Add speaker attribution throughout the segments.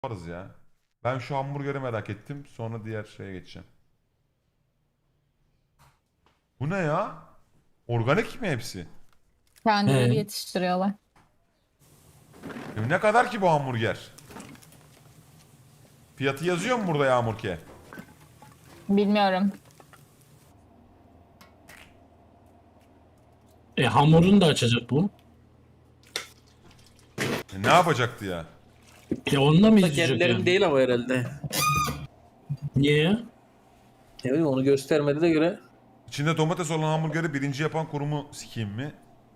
Speaker 1: Yaparız ya. Ben şu hamburgeri merak ettim. Sonra diğer şeye geçeceğim. Bu ne ya? Organik mi hepsi?
Speaker 2: Kendileri
Speaker 3: He.
Speaker 2: yetiştiriyorlar.
Speaker 1: Ne kadar ki bu hamburger? Fiyatı yazıyor mu burada Yağmurke?
Speaker 2: Bilmiyorum.
Speaker 3: Hamurunu da açacak bu.
Speaker 1: Ne yapacaktı ya?
Speaker 3: Onunla mı
Speaker 4: Da
Speaker 3: izleyecek
Speaker 4: kendilerin
Speaker 3: yani?
Speaker 4: değil ama herhalde.
Speaker 3: Niye ya?
Speaker 4: Ne bileyim onu göstermedi de göre.
Speaker 1: İçinde domates olan hamburgeri birinci yapan kurumu sikeyim mi?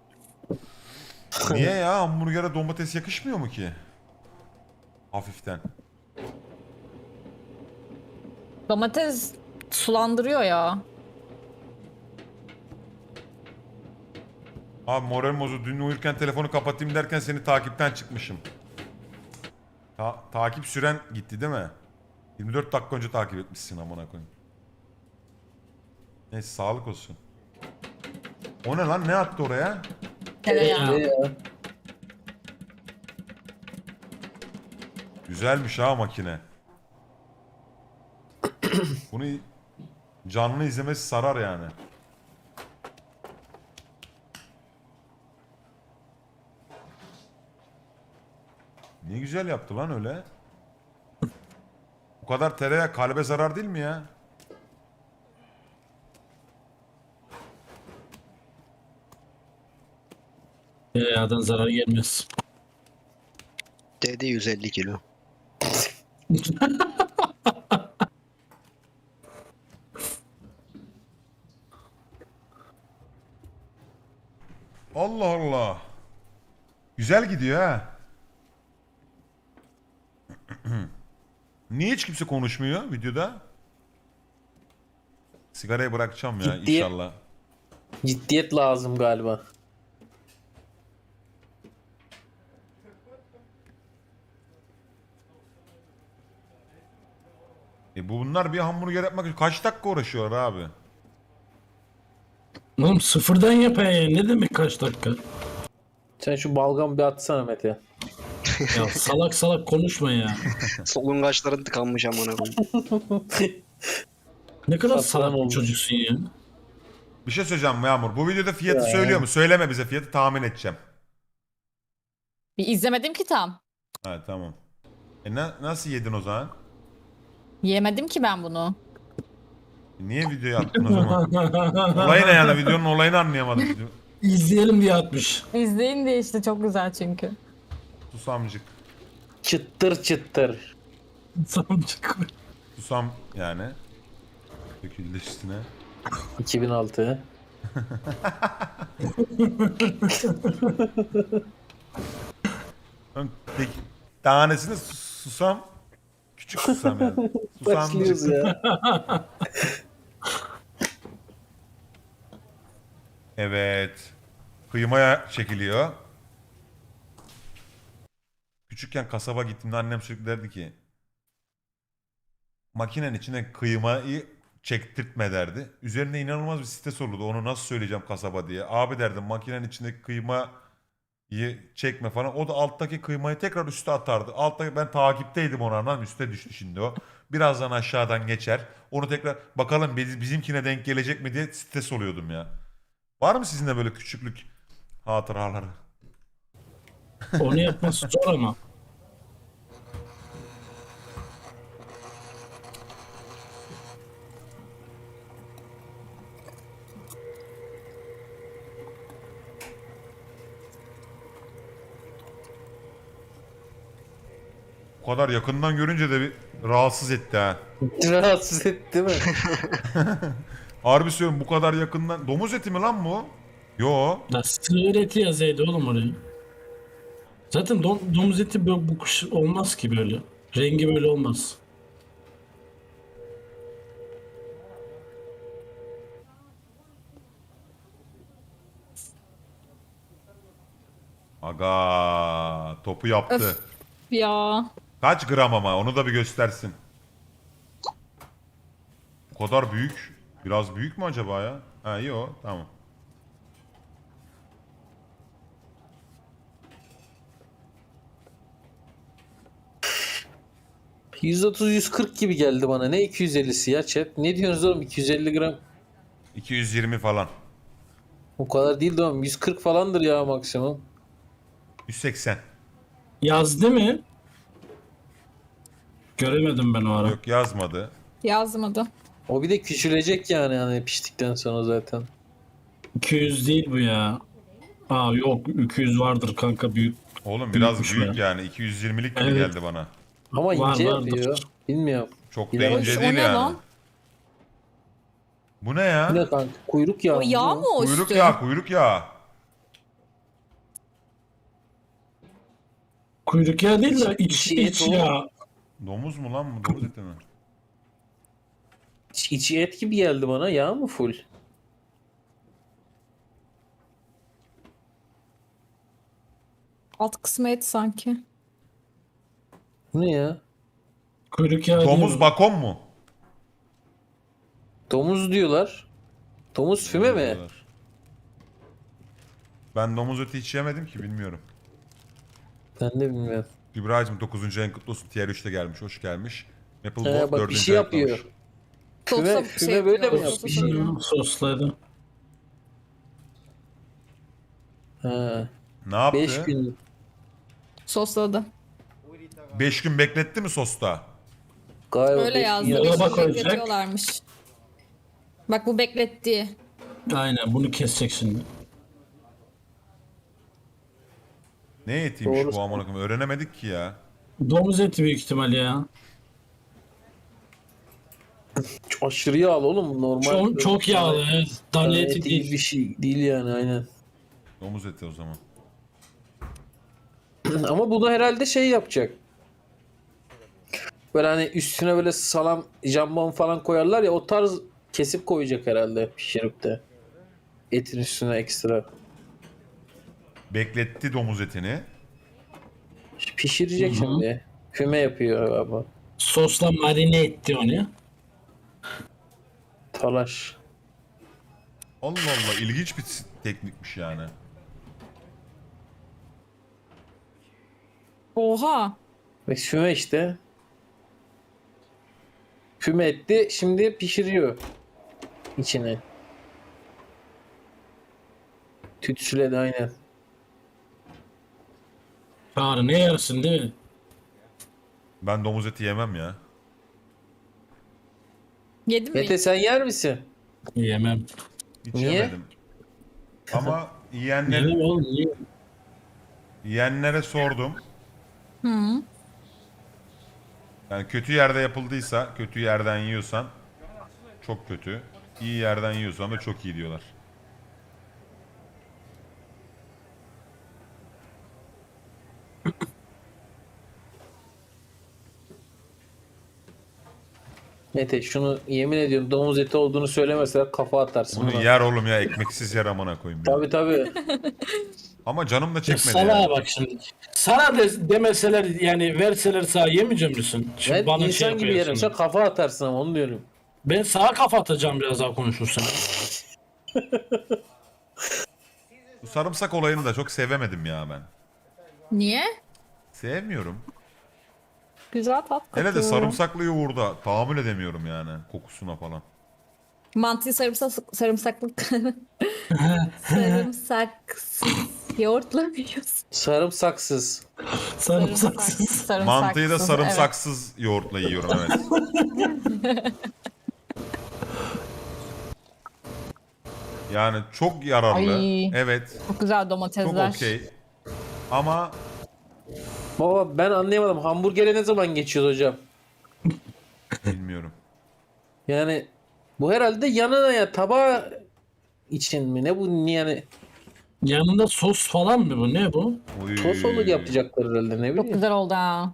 Speaker 1: Niye ya? Hamburgere domates yakışmıyor mu ki? Hafiften.
Speaker 2: Domates sulandırıyor ya.
Speaker 1: Abi moral bozuldu. Dün uyurken telefonu kapatayım derken seni takipten çıkmışım. Takip süren gitti değil mi? 24 dakika önce takip etmişsin amına koyayım. Neyse sağlık olsun. O ne lan? Ne attı oraya?
Speaker 2: Tereyağı.
Speaker 4: Ne ya?
Speaker 1: Güzelmiş ha makine. Bunu canlı izlemesi sarar yani. Ne güzel yaptı lan öyle. Bu kadar tereyağı kalbe zarar değil mi ya?
Speaker 3: Tereyağdan zarar gelmez.
Speaker 5: Dedi 150 kilo.
Speaker 1: Allah Allah. Güzel gidiyor ha. Niye hiç kimse konuşmuyor videoda? Sigarayı bırakacağım ya
Speaker 4: Ciddiyet.
Speaker 1: inşallah.
Speaker 4: Ciddiyet lazım galiba.
Speaker 1: Bunlar bir hamburger yapmak için kaç dakika uğraşıyorlar abi?
Speaker 3: Oğlum sıfırdan yapaya ne demek kaç dakika?
Speaker 4: Sen şu balgamı bir atsana Mete.
Speaker 3: Ya salak salak konuşma ya.
Speaker 5: Solungaçların tıkanmış amına koyayım.
Speaker 3: Ne kadar
Speaker 4: Saçma
Speaker 3: salak bir
Speaker 4: olmuş.
Speaker 3: çocuksun ya.
Speaker 1: Bir şey söyleyeceğim Yağmur. Bu videoda fiyatı
Speaker 4: Ya.
Speaker 1: söylüyor mu? Söyleme bize fiyatı tahmin edeceğim.
Speaker 2: Bir izlemedim ki tam.
Speaker 1: Ha tamam. Nasıl yedin o zaman?
Speaker 2: Yemedim ki ben bunu.
Speaker 1: Niye videoyu attın o zaman? Olay ne yani? Videonun olayını anlayamadım.
Speaker 3: İzleyelim diye atmış.
Speaker 2: İzleyin diye işte çok güzel çünkü.
Speaker 1: Susamcık.
Speaker 4: Çıttır çıttır.
Speaker 3: Samcık.
Speaker 1: Susam yani. Döküldü üstüne.
Speaker 4: 2006.
Speaker 1: Peki, tanesini susam. Küçük susam yani.
Speaker 4: Başlıyoruz
Speaker 1: Susamcık.
Speaker 4: ya.
Speaker 1: Evet. Kıymaya çekiliyor. Küçükken kasaba gittiğimde annem sürekli derdi ki makinenin içine kıymayı çektirtme derdi. Üzerine inanılmaz bir stres olurdu. Onu nasıl söyleyeceğim kasaba diye. Abi derdim makinenin içindeki kıymayı çekme falan. O da alttaki kıymayı tekrar üste atardı. Alttaki ben takipteydim onu anladın mı? Üste düştü şimdi o. Birazdan aşağıdan geçer. Onu tekrar bakalım bizimkine denk gelecek mi diye stres oluyordum ya. Var mı sizin de böyle küçüklük hatıraları?
Speaker 3: Onu yapması zor ama.
Speaker 1: Bu kadar yakından görünce de bir rahatsız etti ha.
Speaker 4: Rahatsız etti mi?
Speaker 1: Harbi söylüyorum bu kadar yakından. Domuz eti mi lan bu? Yo.
Speaker 3: Ya sığır eti yazaydı oğlum oraya. Zaten domuz eti böyle bu kuş olmaz ki böyle. Rengi böyle olmaz.
Speaker 1: Aga topu yaptı.
Speaker 2: Öf ya.
Speaker 1: Kaç gram ama onu da bir göstersin. Bu kadar büyük. Biraz büyük mü acaba ya? Ha iyi o tamam.
Speaker 4: 130-140 gibi geldi bana. Ne 250'si ya chat? Ne diyorsunuz oğlum? 250 gram.
Speaker 1: 220 falan.
Speaker 4: O kadar değil de oğlum. 140 falandır ya maksimum.
Speaker 1: 180.
Speaker 3: Yazdı mı? Göremedim ben o ara.
Speaker 1: Yok yazmadı.
Speaker 2: Yazmadı.
Speaker 4: O bir de küçülecek yani hani piştikten sonra zaten.
Speaker 3: 200 değil bu ya. Aa yok 200 vardır kanka büyük.
Speaker 1: Oğlum biraz
Speaker 3: Büyükmüş
Speaker 1: büyük
Speaker 3: ya.
Speaker 1: yani. 220'lik gibi
Speaker 3: Evet.
Speaker 1: geldi bana.
Speaker 4: Ama
Speaker 3: Var,
Speaker 4: ince
Speaker 3: vardır.
Speaker 4: yapıyor. Bilmiyorum.
Speaker 1: Çok da
Speaker 4: Bilemem.
Speaker 1: ince
Speaker 2: O
Speaker 1: değil
Speaker 2: ne
Speaker 1: yani.
Speaker 2: lan?
Speaker 1: Bu ne ya?
Speaker 4: Ne kanka? Kuyruk yağı.
Speaker 2: O yağ
Speaker 4: bu.
Speaker 2: mı o
Speaker 1: Kuyruk
Speaker 2: üstü?
Speaker 1: yağı, kuyruk yağı.
Speaker 3: Kuyruk yağı değil de
Speaker 4: İçi et
Speaker 3: iç
Speaker 4: oğlum.
Speaker 3: yağı.
Speaker 1: Domuz mu lan bu? Domuz eti mi?
Speaker 4: İçi et gibi geldi bana. Yağ mı full?
Speaker 2: Alt kısmı et sanki.
Speaker 4: Bu ne ya?
Speaker 3: Kuyruk yağı değil
Speaker 1: Domuz
Speaker 3: bu.
Speaker 1: bakon mu?
Speaker 4: Domuz diyorlar. Domuz füme mi?
Speaker 1: Ben domuz eti hiç yemedim ki bilmiyorum.
Speaker 4: Ben de bilmiyorum.
Speaker 1: İbrahim'cim 9. ayın kutlu olsun. Tier 3'te gelmiş. Hoş gelmiş. Maple
Speaker 4: He,
Speaker 1: Wolf
Speaker 4: bak
Speaker 1: 4.
Speaker 4: bir şey
Speaker 1: ayın kutlu
Speaker 4: yapıyor.
Speaker 1: olmuş.
Speaker 2: Sosa
Speaker 4: Füme böyle mi
Speaker 2: yapıyor,
Speaker 4: yapmış?
Speaker 2: sosa koyuyor.
Speaker 3: Sosladı.
Speaker 4: Ha.
Speaker 1: Ne yaptı?
Speaker 4: 5 gün.
Speaker 2: Sosladı.
Speaker 1: 5 gün bekletti mi sosta?
Speaker 4: Galiba
Speaker 2: Öyle
Speaker 4: 5 gün
Speaker 2: yazdı.
Speaker 3: Dolaba
Speaker 2: Beş gün
Speaker 3: koyacak.
Speaker 2: bekletiyorlarmış. Bak bu bekletti.
Speaker 3: Aynen bunu kesecek şimdi.
Speaker 1: Ne etiymiş
Speaker 4: Doğru.
Speaker 1: bu amına koyayım? Öğrenemedik ki ya.
Speaker 3: Domuz eti büyük ihtimal ya.
Speaker 4: Aşırı yağlı oğlum normal.
Speaker 3: Çok yağlı evet. Dana
Speaker 4: Dana
Speaker 3: eti
Speaker 4: eti
Speaker 3: değil.
Speaker 4: gibi bir şey değil yani aynen.
Speaker 1: Domuz eti o zaman.
Speaker 4: Ama bunu herhalde şey yapacak. Böyle hani üstüne böyle salam, jambon falan koyarlar ya o tarz kesip koyacak herhalde pişirip de. Etin üstüne ekstra.
Speaker 1: Bekletti domuz etini.
Speaker 4: Pişirecek
Speaker 3: Hı hı.
Speaker 4: şimdi. Füme yapıyor galiba.
Speaker 3: Sosla marine etti onu.
Speaker 4: Talaş.
Speaker 1: Allah Allah ilginç bir teknikmiş yani.
Speaker 2: Oha.
Speaker 4: Ve füme işte. Füme etti şimdi pişiriyor içine. Tütsüledi aynen.
Speaker 3: Çağrı ne yersin değil mi?
Speaker 1: Ben domuz eti yemem ya.
Speaker 2: Yedin mi?
Speaker 4: Mete sen yer misin?
Speaker 3: Yemem.
Speaker 1: Hiç
Speaker 4: Niye?
Speaker 1: yemedim. Ama
Speaker 3: Yemem oğlum niye?
Speaker 1: yiyenlere sordum.
Speaker 2: Hı.
Speaker 1: Yani kötü yerde yapıldıysa, kötü yerden yiyorsan çok kötü. İyi yerden yiyorsan da çok iyi diyorlar.
Speaker 4: Mete şunu yemin ediyorum domuz eti olduğunu söylemeseler kafa atarsın.
Speaker 1: Bunu
Speaker 4: buna.
Speaker 1: yer oğlum ya ekmeksiz yer amına koyayım ya.
Speaker 4: Tabii tabii.
Speaker 1: Ama canım da
Speaker 3: Ya
Speaker 1: çekmedi
Speaker 3: sana
Speaker 1: yani.
Speaker 3: bak şimdi. Sana demeseler yani verseler sağ yemeyecek misin? Şimdi
Speaker 4: Ben
Speaker 3: bana
Speaker 4: insan
Speaker 3: şey
Speaker 4: gibi
Speaker 3: yapıyorsun.
Speaker 4: yerim. Sen kafa atarsın ama onu diyorum.
Speaker 3: Ben sağa kafa atacağım biraz daha konuşursan.
Speaker 1: Bu sarımsak olayını da çok sevemedim ya ben.
Speaker 2: Niye?
Speaker 1: Sevmiyorum.
Speaker 2: Güzel tat katıyor.
Speaker 1: Hele de sarımsaklı yoğurda tahammül edemiyorum yani kokusuna falan.
Speaker 2: Mantıyı sarımsaklı sarımsaksız yoğurtla mı yiyorsun?
Speaker 4: Sarımsaksız.
Speaker 3: Sarımsaksız.
Speaker 2: Sarımsaksız,
Speaker 1: Mantıyı da
Speaker 2: evet.
Speaker 1: sarımsaksız yoğurtla yiyorum evet. Yani çok yararlı.
Speaker 2: Ay.
Speaker 1: Evet.
Speaker 2: Çok güzel
Speaker 1: Çok
Speaker 2: domatesler.
Speaker 1: okey. Ama
Speaker 4: Baba ben anlayamadım. Hamburgere ne zaman geçiyoruz hocam?
Speaker 1: bilmiyorum.
Speaker 4: Yani bu herhalde yanına ya tabağı için mi? Ne bu yani?
Speaker 3: Yanında sos falan mı bu? Ne bu?
Speaker 1: Oy.
Speaker 4: Tost olur yapacaklar herhalde ne
Speaker 2: Çok
Speaker 4: bileyim.
Speaker 2: güzel oldu ha.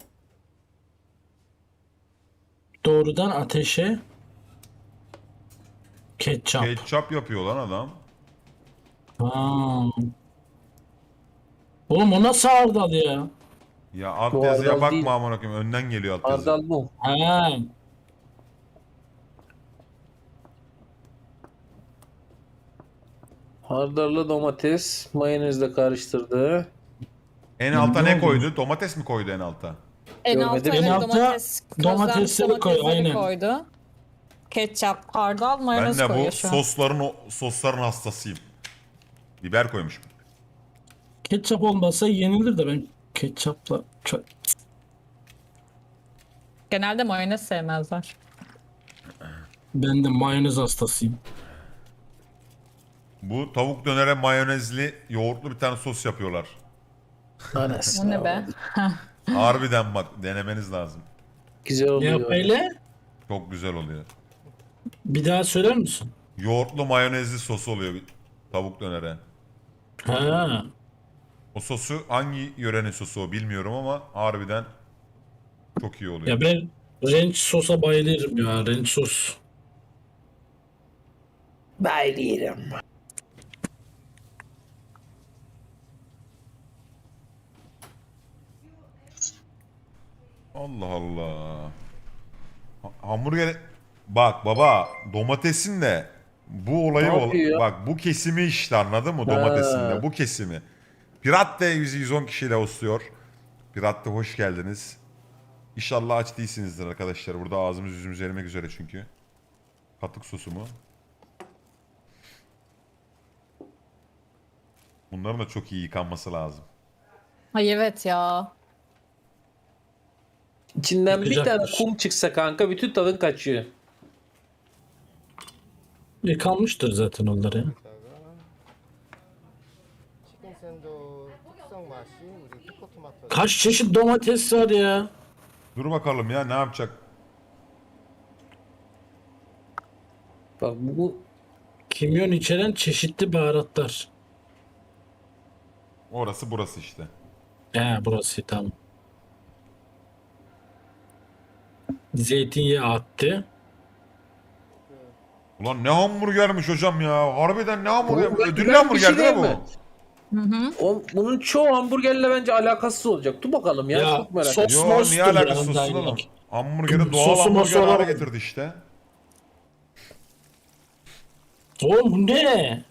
Speaker 3: Doğrudan ateşe ketçap.
Speaker 1: Ketçap yapıyor lan adam.
Speaker 3: Ha. Oğlum o nasıl hardal ya?
Speaker 1: Ya alt
Speaker 4: Bu
Speaker 1: yazıya
Speaker 4: hardal değil.
Speaker 1: bakma amına koyayım. Önden geliyor alt yazı.
Speaker 4: Hardal bu.
Speaker 3: Ha.
Speaker 4: Hardalla domates mayonezle karıştırdı.
Speaker 1: En alta
Speaker 3: Ne
Speaker 1: ne
Speaker 3: oldu?
Speaker 1: koydu? Domates mi koydu en alta?
Speaker 2: En alta
Speaker 4: Görmedim.
Speaker 2: evet
Speaker 3: En alta
Speaker 2: domatesleri
Speaker 3: domatesleri koy, aynen.
Speaker 2: koydu. Ketçap, hardal,
Speaker 1: Ben
Speaker 2: mayonez
Speaker 1: de
Speaker 2: koyuyor
Speaker 1: bu
Speaker 2: şu an.
Speaker 1: sosların hastasıyım. Biber koymuşum.
Speaker 3: Ketçap olmasa yenilir de ben ketçapla
Speaker 2: Genelde mayonez sevmezler.
Speaker 3: ben de mayonez hastasıyım.
Speaker 1: Bu tavuk dönere mayonezli yoğurtlu bir tane sos yapıyorlar.
Speaker 2: O
Speaker 4: Anasını
Speaker 2: ne be?
Speaker 4: avradım.
Speaker 1: Harbiden bak denemeniz lazım.
Speaker 4: Güzel
Speaker 3: Ne
Speaker 4: oluyor.
Speaker 3: yap öyle?
Speaker 1: Çok güzel oluyor.
Speaker 3: Bir daha söyler misin?
Speaker 1: Yoğurtlu mayonezli sosu oluyor bir tavuk dönere.
Speaker 3: Ha.
Speaker 1: O sosu hangi yörenin sosu o bilmiyorum ama harbiden çok iyi oluyor.
Speaker 3: Ya ben ranch sosa bayılırım ya. Ranch sos.
Speaker 4: Bayılıyorum.
Speaker 1: Allah Allah. Hamburger bak baba domatesin de bu olayı
Speaker 4: Ne yapıyor ya?
Speaker 1: bak bu kesimi işte anladın mı domatesin de bu kesimi. Pirat de 110 kişiyle hostluyor. Pirat de hoş geldiniz. İnşallah aç değilsinizdir arkadaşlar. Burada ağzımız yüzümüz erimek üzere çünkü. Katık sosu mu? Bunların da çok iyi yıkanması lazım.
Speaker 2: Ay evet ya.
Speaker 4: İçinden bir tane
Speaker 3: Yıkacaktır.
Speaker 4: kum çıksa kanka bütün tadın kaçıyor.
Speaker 3: Yıkanmıştır zaten onlar ya.
Speaker 6: 치킨 샌드 특성 맛이 우리 피코토마토
Speaker 3: Kaç çeşit domates var ya?
Speaker 1: Dur bakalım ya ne yapacak?
Speaker 4: Bak bu
Speaker 3: Kimyon içeren çeşitli baharatlar.
Speaker 1: Orası burası işte.
Speaker 3: Burası tamam. Zeytinyağı attı.
Speaker 1: Ulan ne hamburgermiş hocam ya. Harbiden ne hamburger?
Speaker 4: Oğlum ben-
Speaker 1: Ödüllü
Speaker 4: ben bir
Speaker 1: hamburger
Speaker 4: şey
Speaker 1: değil mi
Speaker 4: diyeyim
Speaker 1: bu?
Speaker 4: mi? Bunun çoğu hamburgerle bence alakasız olacak. Dur bakalım ya,
Speaker 3: Ya,
Speaker 4: çok merak
Speaker 3: sos-
Speaker 4: ettim.
Speaker 1: Yo
Speaker 3: Mostur
Speaker 1: niye alakası
Speaker 3: yani,
Speaker 1: sosun
Speaker 3: daha
Speaker 1: oğlum?
Speaker 3: iyi.
Speaker 1: Hamburgeri doğal
Speaker 3: Sosu mosu
Speaker 1: hamburger hale
Speaker 3: olarak-
Speaker 1: getirdi işte.
Speaker 3: Oğlum bu ne?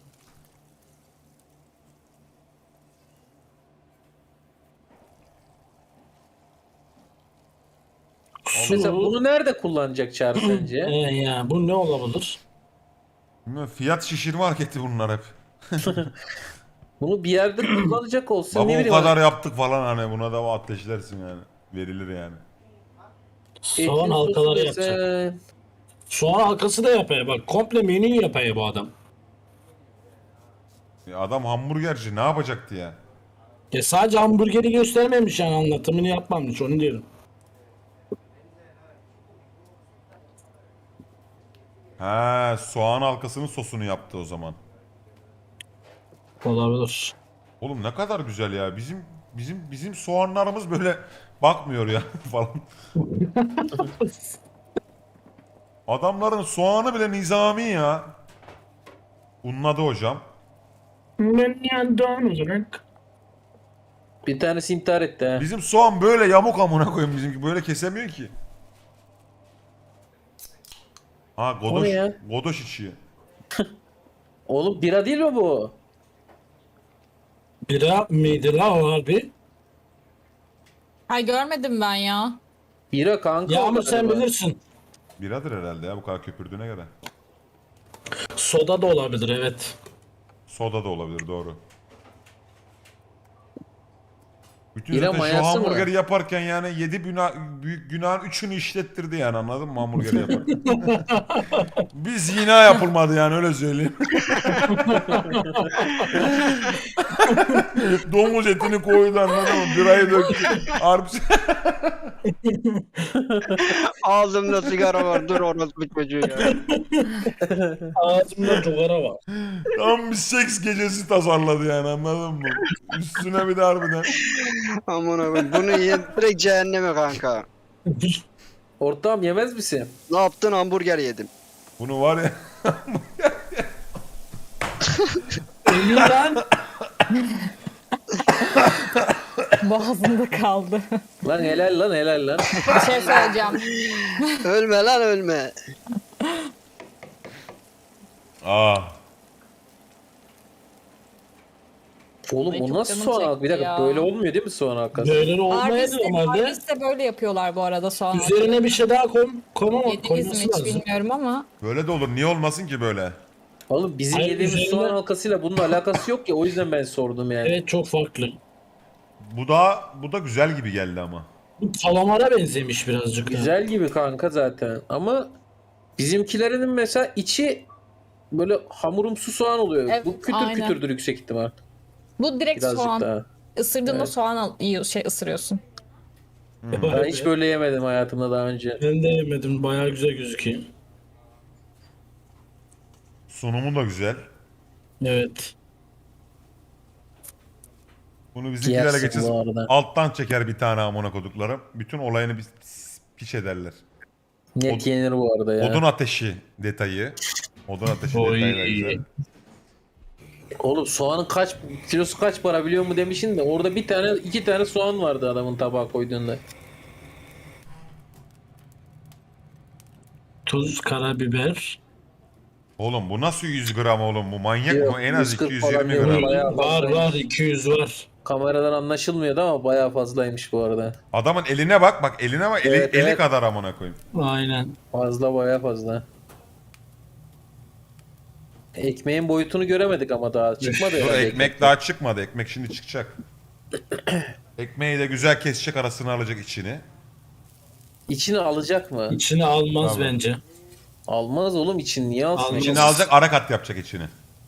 Speaker 4: Mesela bunu nerede kullanacak Çağrı sence?
Speaker 3: Ya bu ne olabilir?
Speaker 1: Bilmiyorum, fiyat şişirme hareketi bunlar hep.
Speaker 4: Bunu bir yerde kullanacak olsa
Speaker 1: Baba
Speaker 4: ne
Speaker 1: o
Speaker 4: bileyim.
Speaker 1: kadar yaptık falan hani buna da ateşlersin yani. Verilir yani.
Speaker 3: Soğan
Speaker 4: Etin sosu
Speaker 3: halkaları
Speaker 4: desen-
Speaker 3: yapacak. Soğan halkası da yapıyor. Bak komple menü yapıyor bu adam.
Speaker 1: Adam hamburgerci ne yapacaktı ya?
Speaker 3: Sadece hamburgeri göstermemiş yani anlatımını yapmamış onu diyorum.
Speaker 1: He soğan halkasının sosunu yaptı o zaman.
Speaker 3: Olabilir.
Speaker 1: Oğlum ne kadar güzel ya. Bizim soğanlarımız böyle bakmıyor ya falan. Adamların soğanı bile nizami ya. Unladı hocam.
Speaker 4: Bir tanesi intihar etti ha.
Speaker 1: Bizim soğan böyle yamuk amına koyayım bizimki böyle kesemiyor ki. Ha
Speaker 4: O
Speaker 1: godoş,
Speaker 4: ne ya?
Speaker 1: godoş içi.
Speaker 4: Oğlum bira değil mi bu?
Speaker 3: Bira mıydı la o harbi?
Speaker 2: Ay görmedim ben ya.
Speaker 4: Bira kanka.
Speaker 3: Yağmur
Speaker 4: o
Speaker 3: sen
Speaker 4: galiba.
Speaker 3: bilirsin.
Speaker 1: Biradır herhalde ya bu kadar köpürdüğüne göre.
Speaker 3: Soda da olabilir evet.
Speaker 1: Soda da olabilir doğru. Bütün
Speaker 4: Bira
Speaker 1: zaten şu
Speaker 4: mayası mı?
Speaker 1: hamburgeri yaparken yani 7 büyük günahın 3'ünü işlettirdi yani anladın mı hamburgeri yaparken. Bir zina yapılmadı yani öyle söyleyeyim. Domuz etini koydu anladın mı? Birayı döktü. Harbi.
Speaker 5: Ağzımda sigara var. Dur orospu çocuğu ya.
Speaker 3: Ağzımda cugara var.
Speaker 1: Tam bir seks gecesi tasarladı yani anladın mı? Üstüne bir de harbiden.
Speaker 5: Aman abi bunu yiyen direkt cehenneme kanka.
Speaker 4: Ortağım yemez misin?
Speaker 5: Ne yaptın? Hamburger yedim.
Speaker 1: Bunu var ya.
Speaker 3: Ölü lan.
Speaker 2: Boğazımda kaldı.
Speaker 4: Lan helal lan helal lan.
Speaker 2: Bir şey söyleyeceğim.
Speaker 5: Ölme lan ölme.
Speaker 4: Oğlum
Speaker 2: Ay,
Speaker 4: o
Speaker 2: çok
Speaker 4: nasıl
Speaker 2: canım
Speaker 4: soğan halkası? Bir
Speaker 2: çekti
Speaker 4: dakika
Speaker 2: ya.
Speaker 4: böyle olmuyor değil mi soğan halkası?
Speaker 3: Böyle olmaydı
Speaker 2: Arby's'te,
Speaker 3: normalde.
Speaker 2: Arby's'te böyle yapıyorlar bu arada soğan
Speaker 3: Üzerine bir şey daha
Speaker 2: Yediniz mi
Speaker 3: koyması
Speaker 2: hiç
Speaker 3: lazım.
Speaker 2: bilmiyorum ama.
Speaker 1: Böyle de olur. Niye olmasın ki böyle?
Speaker 4: Oğlum bizim
Speaker 3: Hayır,
Speaker 4: yediğimiz
Speaker 3: üzerine-
Speaker 4: soğan halkasıyla bunun alakası yok ya, o yüzden ben sordum yani.
Speaker 3: Evet, çok farklı.
Speaker 1: Bu da güzel gibi geldi ama.
Speaker 3: Bu kalamara benzemiş birazcık.
Speaker 4: Güzel gibi kanka zaten ama bizimkilerinin mesela içi böyle hamurumsu soğan oluyor.
Speaker 2: Evet,
Speaker 4: Bu kütür
Speaker 2: aynen.
Speaker 4: kütürdür yüksek ihtimal.
Speaker 2: Bu direkt
Speaker 4: Birazcık
Speaker 2: soğan.
Speaker 4: daha.
Speaker 2: Isırdığında
Speaker 4: Evet.
Speaker 2: soğan ısırıyorsun.
Speaker 4: Ben hiç böyle yemedim hayatımda daha önce.
Speaker 3: Ben de yemedim. Bayağı güzel gözüküyor.
Speaker 1: Sunumu da güzel.
Speaker 3: Evet.
Speaker 1: Bunu bizimkilerle
Speaker 4: Yersin
Speaker 1: geçeceğiz.
Speaker 4: bu arada.
Speaker 1: Alttan çeker bir tane amına koduklarım. Bütün olayını bir piç ederler.
Speaker 4: Net yenir bu arada ya.
Speaker 1: Odun ateşi detayı. Odun ateşi
Speaker 3: Oy.
Speaker 1: detayı da güzel.
Speaker 4: Oğlum soğanın kilosu kaç para biliyor mu demişsin de orada bir tane iki tane soğan vardı adamın tabağa koyduğunda.
Speaker 3: Tuz, karabiber.
Speaker 1: Oğlum bu nasıl 100 gram oğlum? Bu manyak
Speaker 4: Yok,
Speaker 1: mı? En az
Speaker 4: 140
Speaker 1: 220
Speaker 4: falan
Speaker 1: gram.
Speaker 4: diyor. Bayağı
Speaker 3: Var
Speaker 4: fazlaymış.
Speaker 3: var 200 var.
Speaker 4: Kameradan anlaşılmıyordu ama bayağı fazlaymış bu arada.
Speaker 1: Adamın eline bak. Bak eline bak. Eli,
Speaker 4: Evet,
Speaker 1: eli
Speaker 4: evet.
Speaker 1: kadar amına koyayım.
Speaker 3: Aynen.
Speaker 4: Fazla bayağı fazla. Ekmeğin boyutunu göremedik ama daha çıkmadı
Speaker 1: Dur,
Speaker 4: herhalde.
Speaker 1: ekmek daha çıkmadı. Ekmek şimdi çıkacak. Ekmeği de güzel kesecek, arasını alacak içini.
Speaker 4: İçini alacak mı?
Speaker 3: İçine almaz
Speaker 1: Tamam.
Speaker 3: bence.
Speaker 4: Almaz oğlum, için niye alsın?
Speaker 3: Almaz.
Speaker 1: İçini alacak, ara kat yapacak içini.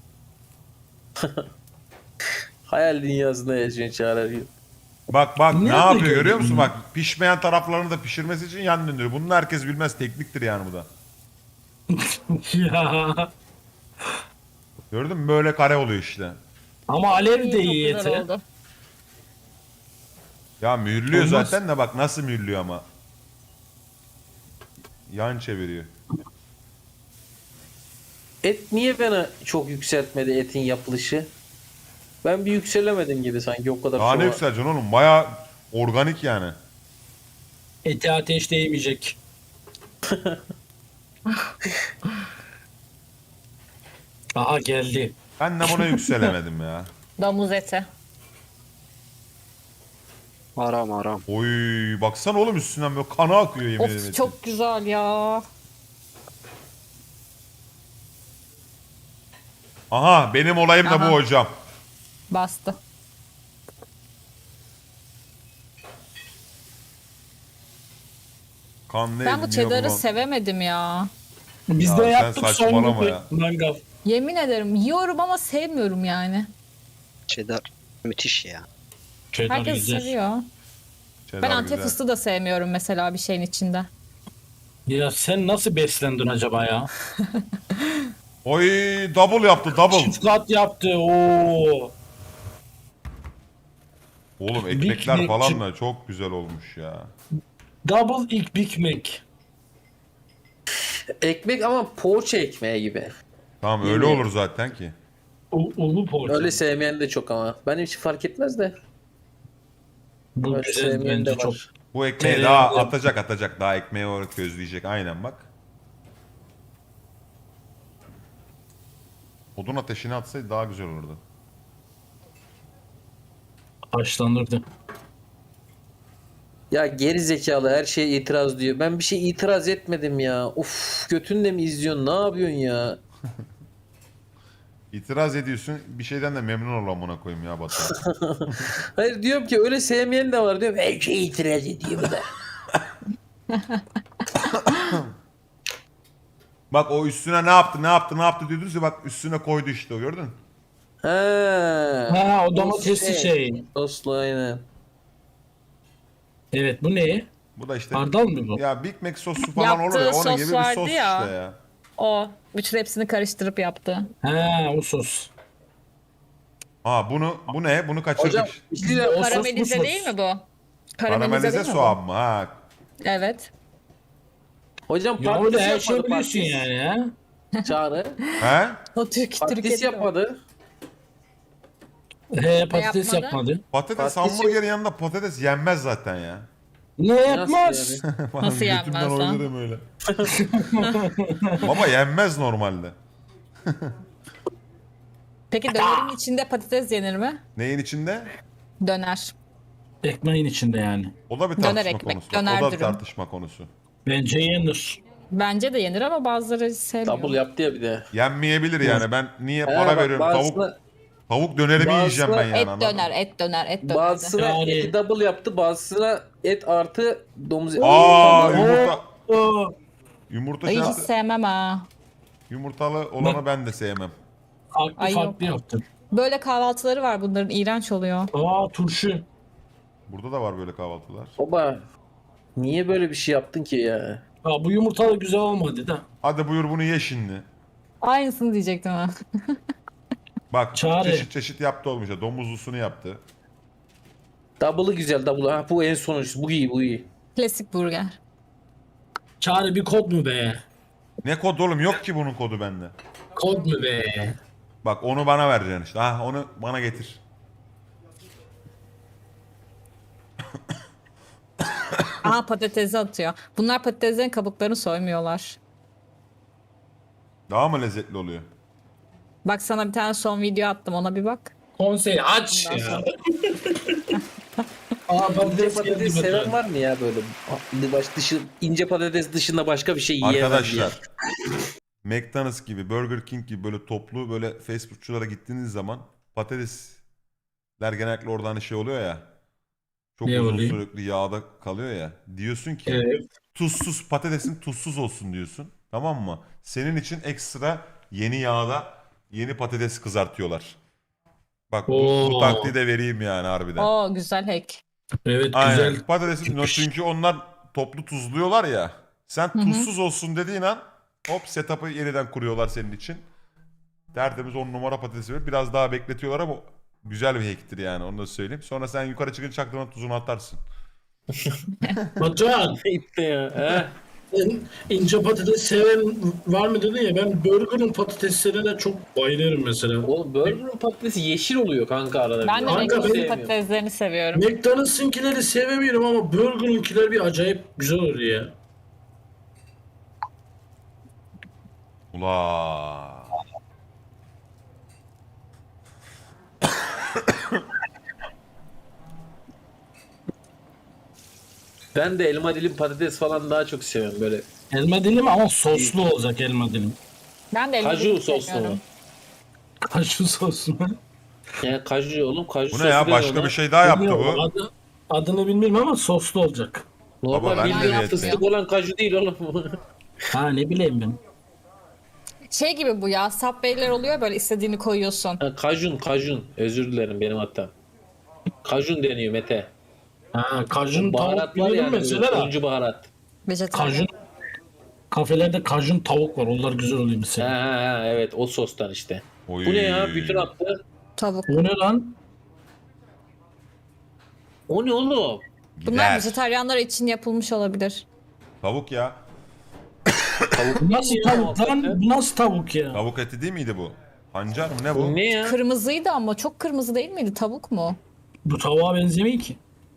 Speaker 4: Hayal dünyasında yaşıyorsun Çağrı.
Speaker 1: Bak bak ne
Speaker 3: Nerede
Speaker 1: yapıyor
Speaker 3: gördün
Speaker 1: görüyor musun?
Speaker 3: bunu?
Speaker 1: Bak pişmeyen taraflarını da pişirmesi için yan döndürüyor. Bunu herkes bilmez, tekniktir yani bu da.
Speaker 3: Ya.
Speaker 1: Gördün mü? Böyle kare oluyor işte.
Speaker 3: Ama alev de
Speaker 2: Çok
Speaker 3: iyi
Speaker 2: güzel
Speaker 3: eti.
Speaker 2: oldu.
Speaker 1: Ya mühürlüyor
Speaker 3: Olmaz.
Speaker 1: zaten de bak nasıl mühürlüyor ama. Yan çeviriyor.
Speaker 4: Et niye bana çok yükseltmedi etin yapılışı? Ben bir yükselemedim gibi sanki o kadar.
Speaker 1: Daha ne
Speaker 4: soğan-
Speaker 1: yükseleceksin oğlum? Baya organik yani.
Speaker 3: Eti ateş değmeyecek. Aha geldi.
Speaker 1: Ben de buna yükselemedim ya.
Speaker 2: Domuz eti.
Speaker 5: Haram haram.
Speaker 1: Oy baksana oğlum üstünden böyle kanı akıyor yemin ederim.
Speaker 2: Of çok güzel ya.
Speaker 1: Aha benim olayım da
Speaker 2: Aha.
Speaker 1: bu hocam.
Speaker 2: Bastı.
Speaker 1: Kan ne
Speaker 2: Ben bu
Speaker 1: niye
Speaker 2: cheddar'ı
Speaker 1: bulan-
Speaker 2: sevemedim ya.
Speaker 3: Biz
Speaker 1: Ya
Speaker 3: de
Speaker 1: sen
Speaker 3: yaptık
Speaker 1: saçmalama
Speaker 3: son
Speaker 1: ya.
Speaker 3: mangal.
Speaker 2: Yemin ederim yiyorum ama sevmiyorum yani.
Speaker 5: Cheddar müthiş ya.
Speaker 3: Cheddar
Speaker 2: Herkes
Speaker 3: güzel.
Speaker 2: seviyor.
Speaker 1: Cheddar
Speaker 2: Ben antep
Speaker 1: güzel.
Speaker 2: fıstığı da sevmiyorum mesela bir şeyin içinde.
Speaker 3: Ya sen nasıl beslendin acaba ya?
Speaker 1: Oy double yaptı double.
Speaker 3: Çift kat yaptı. Oo.
Speaker 1: Oğlum
Speaker 3: Big
Speaker 1: ekmekler
Speaker 3: Mac
Speaker 1: falan
Speaker 3: chip-
Speaker 1: da çok güzel olmuş ya.
Speaker 3: Double ilk Big Mac.
Speaker 4: Ekmek ama poğaça ekmeği gibi.
Speaker 1: Tamam öyle
Speaker 4: Yemeğe.
Speaker 1: olur zaten ki.
Speaker 3: Ulu poğaça.
Speaker 4: Öyle sevmeyen de çok ama. Benim hiç fark etmez de.
Speaker 3: Bu
Speaker 4: Öyle
Speaker 3: güzel
Speaker 4: sevmeyen de
Speaker 3: bence çok.
Speaker 4: var.
Speaker 1: Bu ekmeği
Speaker 3: Tereyağlı.
Speaker 1: daha atacak daha ekmeği olarak közleyecek aynen bak. Odun ateşine atsaydı daha güzel olurdu.
Speaker 3: Haşlanırdı.
Speaker 4: Ya geri zekalı her şeye itiraz diyor. Ben bir şey itiraz etmedim ya. Uf, götünle mi izliyorsun? Ne yapıyorsun ya?
Speaker 1: İtiraz ediyorsun bir şeyden de memnun ol amına koyayım ya Batu.
Speaker 4: Hayır, diyorum ki öyle sevmeyen de var diyorum. Her şeye itiraz ediyor bu da.
Speaker 1: Bak o üstüne ne yaptı diyordunuz ya bak üstüne koydu işte o gördün.
Speaker 4: Ha.
Speaker 3: Ha o domatesli şey.
Speaker 4: Soslu aynen.
Speaker 3: Evet bu ne?
Speaker 1: Bu da işte
Speaker 3: Hardal mı bu?
Speaker 1: ya Big Mac sosu falan
Speaker 2: Yaptığı
Speaker 1: olur ya onun
Speaker 2: sos
Speaker 1: gibi bir
Speaker 2: vardı
Speaker 1: sos
Speaker 2: ya.
Speaker 1: işte ya.
Speaker 2: O. Bütün hepsini karıştırıp yaptı.
Speaker 3: Ha o sos.
Speaker 1: Ha bu ne? Bunu kaçırdık.
Speaker 4: Hocam bir şey de-
Speaker 3: O sos bu
Speaker 2: Karamelize
Speaker 3: sos.
Speaker 2: değil mi bu?
Speaker 1: Karamelize
Speaker 2: değil mi bu?
Speaker 1: soğan mı? Ha.
Speaker 2: Evet.
Speaker 4: Hocam
Speaker 3: Ya
Speaker 4: patates
Speaker 3: öyle her şey
Speaker 4: yapmadı
Speaker 3: biliyorsun
Speaker 4: patates.
Speaker 3: yani ha.
Speaker 4: Çağrı.
Speaker 1: He?
Speaker 2: O Türkiye'de
Speaker 4: Patates
Speaker 2: var.
Speaker 4: yapmadı.
Speaker 3: He patates
Speaker 2: yapmadı?
Speaker 3: yapmadı.
Speaker 1: Patates
Speaker 4: Patates
Speaker 1: hamburgerin yanında patates yenmez zaten ya.
Speaker 3: Ne
Speaker 4: Nasıl
Speaker 3: yapmaz?
Speaker 4: yani?
Speaker 2: Nasıl
Speaker 1: Götümden
Speaker 2: yenmez lan?
Speaker 1: oynarım öyle. Baba yenmez normalde.
Speaker 2: Peki dönerin içinde patates yenir mi?
Speaker 1: Neyin içinde?
Speaker 2: Döner.
Speaker 3: Ekmeğin içinde yani.
Speaker 1: O da bir
Speaker 2: Döner
Speaker 1: tartışma
Speaker 2: ekmek,
Speaker 1: konusu.
Speaker 2: döner
Speaker 1: O da bir
Speaker 2: dürüm.
Speaker 1: tartışma konusu.
Speaker 3: Bence yenir.
Speaker 2: Bence de yenir ama bazıları sevmiyor.
Speaker 4: Double yaptı ya bir de.
Speaker 1: Yenmeyebilir yani. Ben niye
Speaker 4: He,
Speaker 1: para
Speaker 4: bak
Speaker 1: veriyorum? Tavuk dönerimi yiyeceğim ben yani.
Speaker 2: Et
Speaker 1: anladın mı?
Speaker 2: döner, et döner, et döner.
Speaker 4: Bazısına
Speaker 3: Yani-
Speaker 4: eti double yaptı, bazısına et artı domuz eti.
Speaker 1: Aa
Speaker 3: Oo.
Speaker 1: yumurta.
Speaker 3: Oo.
Speaker 1: Yumurta
Speaker 2: Ay hiç
Speaker 1: şartı.
Speaker 2: sevmem ha.
Speaker 1: Yumurtalı olanı ben de sevmem.
Speaker 3: Farklı
Speaker 2: Ay
Speaker 3: farklı
Speaker 2: yok.
Speaker 3: yaptım.
Speaker 2: Böyle kahvaltıları var bunların, iğrenç oluyor.
Speaker 3: Aa turşu.
Speaker 1: Burada da var böyle kahvaltılar.
Speaker 4: Baba niye böyle bir şey yaptın ki ya?
Speaker 3: Aa, bu yumurta da güzel olmadı da.
Speaker 1: Hadi buyur bunu ye şimdi.
Speaker 2: Aynısını diyecektim ha.
Speaker 1: Bak
Speaker 3: Çağrı.
Speaker 1: çeşit çeşit yaptı olmuş ya. Domuzlusunu yaptı.
Speaker 4: Double'ı güzel double. Ha bu en sonuncusu. Bu iyi bu iyi.
Speaker 2: Klasik burger.
Speaker 3: Çağrı bir kod mu be?
Speaker 1: Ne kod oğlum? Yok ki bunun kodu bende.
Speaker 3: Kod mu be?
Speaker 1: Bak onu bana vereceksin işte. Ha onu bana getir.
Speaker 2: Aha patatesi atıyor. Bunlar patateslerin kabuklarını soymuyorlar.
Speaker 1: Daha mı lezzetli oluyor?
Speaker 2: Bak sana bir tane son video attım, ona bir bak.
Speaker 3: Konsey aç
Speaker 2: Ondan
Speaker 3: ya.
Speaker 2: sonra-
Speaker 3: Aa
Speaker 4: İnce
Speaker 3: patates
Speaker 4: patates
Speaker 3: geldi
Speaker 4: seven
Speaker 3: bakalım.
Speaker 4: var mı ya böyle? İnce patates dışında başka bir şey yiyemez diye.
Speaker 1: Arkadaşlar McDonald's gibi, Burger King gibi böyle toplu böyle fast foodçulara gittiğiniz zaman patatesler genellikle oradan hani şey oluyor ya. Çok
Speaker 3: Ne
Speaker 1: uzun
Speaker 3: oluyor?
Speaker 1: sürekli yağda kalıyor ya. Diyorsun ki
Speaker 3: Evet.
Speaker 1: tuzsuz patatesin tuzsuz olsun diyorsun. Tamam mı? Senin için ekstra yeni yağda yeni patates kızartıyorlar. Bak bu
Speaker 3: Oo.
Speaker 1: taktiği de vereyim yani harbiden.
Speaker 2: Oo güzel hack.
Speaker 3: Evet
Speaker 1: Aynen.
Speaker 3: güzel.
Speaker 1: Patatesin çünkü onlar toplu tuzluyorlar ya. Sen tuzsuz olsun dediğin an hop setup'ı yeniden kuruyorlar senin için. Tertemiz 10 numara patatesi ver. Biraz daha bekletiyorlar ama güzel bir hack'tir yani onu da söyleyeyim. Sonra sen yukarı çıkınca çaktırmadan tuzunu atarsın.
Speaker 3: Batuhan
Speaker 4: İşte ya. He.
Speaker 3: sen ince patates seven var mı dedin ya, ben burger'ın patateslerine çok bayılırım mesela.
Speaker 4: Oğlum burger'ın patatesi yeşil oluyor kanka arada.
Speaker 2: Ben de
Speaker 3: Kanka,
Speaker 2: McDonald's'ın
Speaker 4: sevmiyorum.
Speaker 2: patateslerini seviyorum.
Speaker 3: McDonald's'ınkileri sevemiyorum ama burger'ınkiler bir acayip güzel oluyor ya.
Speaker 1: Ula.
Speaker 4: Ben de elma dilim patates falan daha çok seviyorum böyle.
Speaker 3: Elma dilim ama soslu olacak elma dilim.
Speaker 2: Ben de elma
Speaker 4: Kaju
Speaker 2: dilim
Speaker 4: soslu
Speaker 2: sevmiyorum.
Speaker 4: mu?
Speaker 3: Kaşu soslu mu?
Speaker 4: Yani kaju oğlum kaju
Speaker 1: Bu
Speaker 4: sosu
Speaker 1: ne ya?
Speaker 4: deniyor
Speaker 1: Başka
Speaker 4: ona.
Speaker 1: bir şey daha yaptı
Speaker 3: Bilmiyorum,
Speaker 1: bu.
Speaker 3: adını bilmiyorum ama soslu olacak.
Speaker 4: Normal
Speaker 1: Baba, ben de
Speaker 4: bildiğin
Speaker 1: yedim.
Speaker 4: fıstık olan kaju değil oğlum.
Speaker 3: Ha ne bileyim ben.
Speaker 2: Şey gibi bu ya, Subway'ler oluyor böyle, istediğini koyuyorsun.
Speaker 4: Ha, kajun. Özür dilerim benim hatam. Kajun deniyor Mete.
Speaker 3: Ha kajun tavuk
Speaker 4: Baharat var
Speaker 3: bilirim
Speaker 4: yani böyle
Speaker 3: mesela da.
Speaker 4: turuncu baharat.
Speaker 2: Vejetaryen.
Speaker 3: Kajun kafelerde kajun tavuk var. Onlar güzel oluyor
Speaker 4: Ha,
Speaker 3: mesela.
Speaker 4: ha, evet o sostan işte.
Speaker 1: Oy.
Speaker 4: Bu ne ya? Bütün attı.
Speaker 2: Tavuk.
Speaker 3: O ne lan?
Speaker 4: O ne oğlum?
Speaker 2: Bunlar
Speaker 1: Gider.
Speaker 2: vejetaryenler için yapılmış olabilir.
Speaker 1: Tavuk ya.
Speaker 3: Bu nasıl
Speaker 4: ya,
Speaker 3: tavuk lan?
Speaker 4: hakikaten.
Speaker 3: Bu nasıl tavuk ya?
Speaker 1: Tavuk eti değil miydi bu? Pancar mı ne bu?
Speaker 4: Bu ne ya?
Speaker 2: Kırmızıydı ama çok kırmızı değil miydi? Tavuk mu?
Speaker 3: Bu tavuğa benzemiyor ki.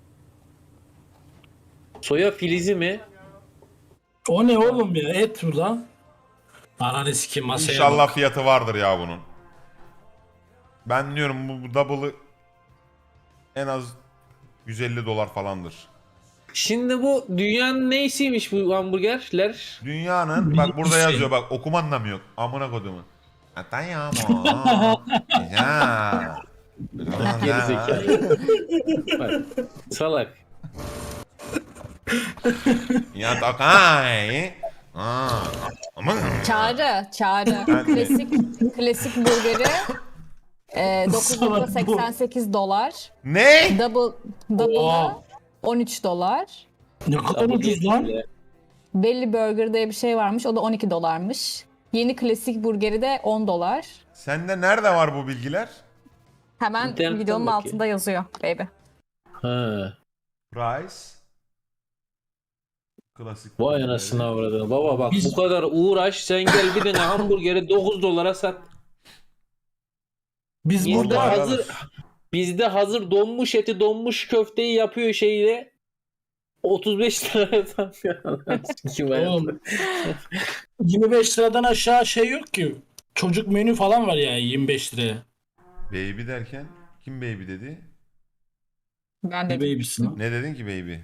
Speaker 4: Soya filizi mi?
Speaker 3: O ne oğlum ya? Et bu lan. Ananı sikeyim masaya
Speaker 1: İnşallah
Speaker 3: bak.
Speaker 1: fiyatı vardır ya bunun. Ben diyorum bu double'ı en az 150 dolar falandır.
Speaker 4: Şimdi bu dünyanın neysiymiş bu hamburgerler?
Speaker 1: Dünyanın bak burada
Speaker 3: şey.
Speaker 1: yazıyor bak okuman da mı yok? Amına kodumu. Atayamo. Ya.
Speaker 4: Gerizekalı. Bak, salak.
Speaker 1: Ya takay.
Speaker 2: Çağrı.
Speaker 1: Ben de.
Speaker 2: Klasik burgeri 9.88 dolar.
Speaker 1: Ne?
Speaker 2: Double'ı
Speaker 3: Oha.
Speaker 2: 13 dolar.
Speaker 3: Ne kadar ucuz lan.
Speaker 2: Belly Burger diye bir şey varmış. O da 12 dolarmış. Yeni klasik burgeri de 10 dolar.
Speaker 1: Sende nerede var bu bilgiler?
Speaker 2: Hemen
Speaker 4: İnternetten
Speaker 2: videonun
Speaker 4: bakayım.
Speaker 2: altında yazıyor baby.
Speaker 4: Ha.
Speaker 1: Price. Klasik.
Speaker 4: Vay anasını avradını. Baba bak
Speaker 3: Biz-
Speaker 4: bu kadar uğraş sen gel bir tane hamburgeri 9 dolara sat.
Speaker 3: Biz
Speaker 4: Bizde
Speaker 3: burada
Speaker 1: Allah
Speaker 4: hazır
Speaker 1: razı
Speaker 4: bizde hazır donmuş eti donmuş köfteyi yapıyor şeyle 35 liraya satıyor. Kim
Speaker 3: oğlum 25 liradan aşağı şey yok ki. Çocuk menü falan var ya 25 liraya.
Speaker 1: Baby derken kim baby dedi?
Speaker 2: Ben
Speaker 3: Ne
Speaker 2: de
Speaker 3: babysin lan?
Speaker 1: Ne dedin ki baby?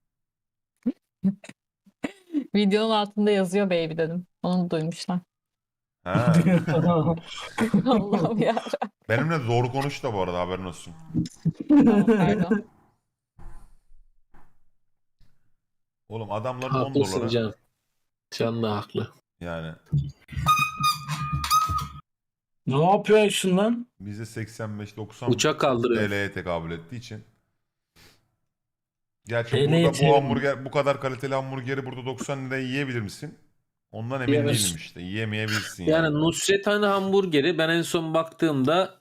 Speaker 2: videonun altında yazıyor baby dedim. Onu duymuşlar.
Speaker 1: Ha.
Speaker 2: Allah'ım ya.
Speaker 1: Benimle doğru konuş da bu arada haberin olsun.
Speaker 2: Tamam, pardon.
Speaker 1: Oğlum adamlar 10
Speaker 4: Haklısın
Speaker 1: dolara
Speaker 4: Can. Can da haklı.
Speaker 1: yani
Speaker 3: Ne yapıyorsun lan?
Speaker 1: bize 85-90
Speaker 4: Uçak kaldırıyor.
Speaker 1: TL'ye tekabül ettiği için. Gerçi
Speaker 3: TL'ye
Speaker 1: burada bu
Speaker 3: çevirin.
Speaker 1: hamburger, bu kadar kaliteli hamburgeri burada 90 liraya yiyebilir misin? Ondan emin
Speaker 4: Yiyemez.
Speaker 1: değilim işte. Yiyemeyebilirsin
Speaker 4: Yani
Speaker 1: yani.
Speaker 4: Nusret Hani hamburgeri ben en son baktığımda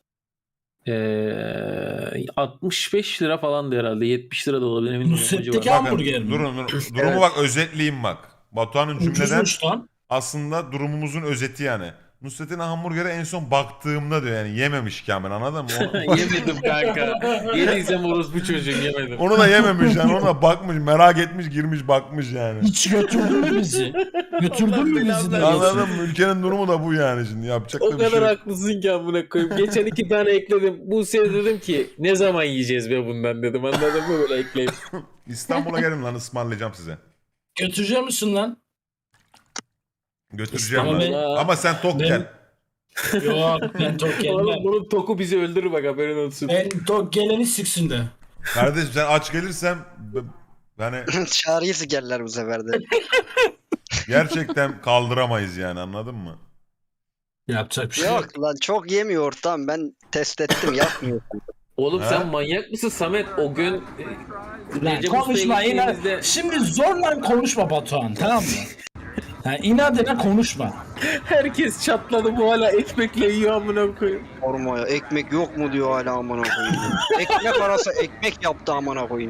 Speaker 4: 65 lira falandı herhalde. 70 lira da olabilir emin değilim.
Speaker 3: Nusret'teki
Speaker 4: O civar.
Speaker 3: hamburger mi?
Speaker 1: Durumu bak özetleyeyim bak. Batuhan'ın cümleden
Speaker 3: Ucuzmuş lan.
Speaker 1: aslında durumumuzun özeti yani. Nusret'in hamburgeri en son baktığımda diyor yani yememiş Kamil anladın mı?
Speaker 4: Yemedim kanka. Yediysem orospu çocuğum yemedim.
Speaker 1: Onu da yememiş yani ona bakmış merak etmiş girmiş bakmış yani.
Speaker 3: Hiç götürdün mü bizi? Götürdün mü bizi de?
Speaker 1: Anladın mı? Ülkenin durumu da bu yani şimdi yapacak
Speaker 4: O
Speaker 1: da bir şey
Speaker 4: kadar
Speaker 1: yok.
Speaker 4: haklısın ki amına koyayım. Geçen 2 tane ekledim. Buse'ye dedim ki ne zaman yiyeceğiz be bundan dedim. Anladın mı böyle ekleyip.
Speaker 1: İstanbul'a gelin lan ısmarlayacağım size.
Speaker 3: Götürecek misin lan?
Speaker 1: Götüreceğim
Speaker 3: Ama
Speaker 1: lan.
Speaker 4: ben-
Speaker 1: Ama sen tok
Speaker 3: ben-
Speaker 1: gel.
Speaker 3: Yok ben tok
Speaker 4: Oğlum
Speaker 3: gelmem.
Speaker 4: bunun toku bizi öldürür bak haberin olsun.
Speaker 3: Ben tok geleni siksin de.
Speaker 1: Kardeşim sen aç gelirsen yani
Speaker 5: Çağrıyı sikerler bu sefer de.
Speaker 1: gerçekten kaldıramayız yani anladın mı?
Speaker 3: Yapacak bir şey yok.
Speaker 5: Yok lan çok yemiyor ortam. Ben test ettim yapmıyor.
Speaker 4: Oğlum
Speaker 1: Ha?
Speaker 4: sen manyak mısın Samet? O gün
Speaker 3: Lan
Speaker 4: Recep
Speaker 3: konuşma
Speaker 4: Usta'ya
Speaker 3: yine.
Speaker 4: gittiğimizde
Speaker 3: Şimdi zorla konuşma Batuhan tamam mı? Ha, inadına konuşma.
Speaker 4: herkes çatladı bu hala ekmekle yiyor amına koyayım.
Speaker 5: Sormaya ekmek yok mu diyor hala amına koyayım. Ekmek arası ekmek yaptı amına koyayım.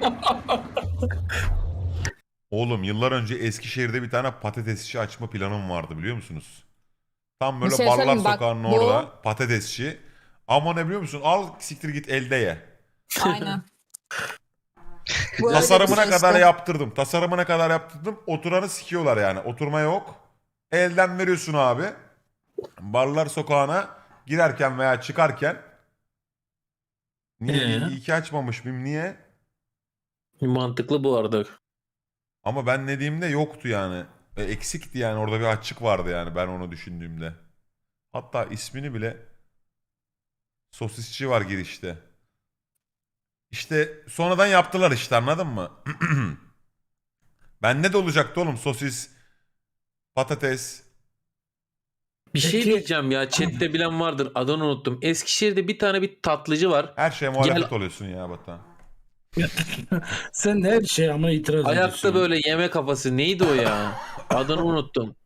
Speaker 1: Oğlum yıllar önce Eskişehir'de bir tane patatesçi açma planım vardı biliyor musunuz? Tam böyle
Speaker 2: Bir şey
Speaker 1: Barlar
Speaker 2: söyleyeyim, bak,
Speaker 1: Sokağı'nın
Speaker 2: bu-
Speaker 1: orada patatesçi. Ama ne biliyor musun? Al siktir git elde ye.
Speaker 2: Aynen. Bu öyle
Speaker 1: Tasarımına
Speaker 2: bir şey
Speaker 1: kadar
Speaker 2: işte.
Speaker 1: yaptırdım. Tasarımına kadar yaptırdım. Oturanı sikiyorlar yani. Oturma yok. Elden veriyorsun abi. Barlar Sokağı'na girerken veya çıkarken. Niye? İyi ki açmamış mıyım? Niye?
Speaker 4: Mantıklı bu arada.
Speaker 1: Ama ben dediğimde yoktu yani. Eksikti yani. Orada bir açık vardı yani ben onu düşündüğümde. Hatta ismini bile sosisçi var girişte. İşte sonradan yaptılar işte anladın mı? Bende de olacaktı oğlum sosis, patates.
Speaker 4: Bir şey
Speaker 3: Peki-
Speaker 4: diyeceğim ya chatte bilen vardır adını unuttum. Eskişehir'de bir tane bir tatlıcı var.
Speaker 1: Her şeye muhalefet oluyorsun ya Batuhan.
Speaker 3: Sen de her şeye ama itiraz ediyorsun.
Speaker 4: Ayakta böyle yeme kafası neydi o ya? Adını unuttum.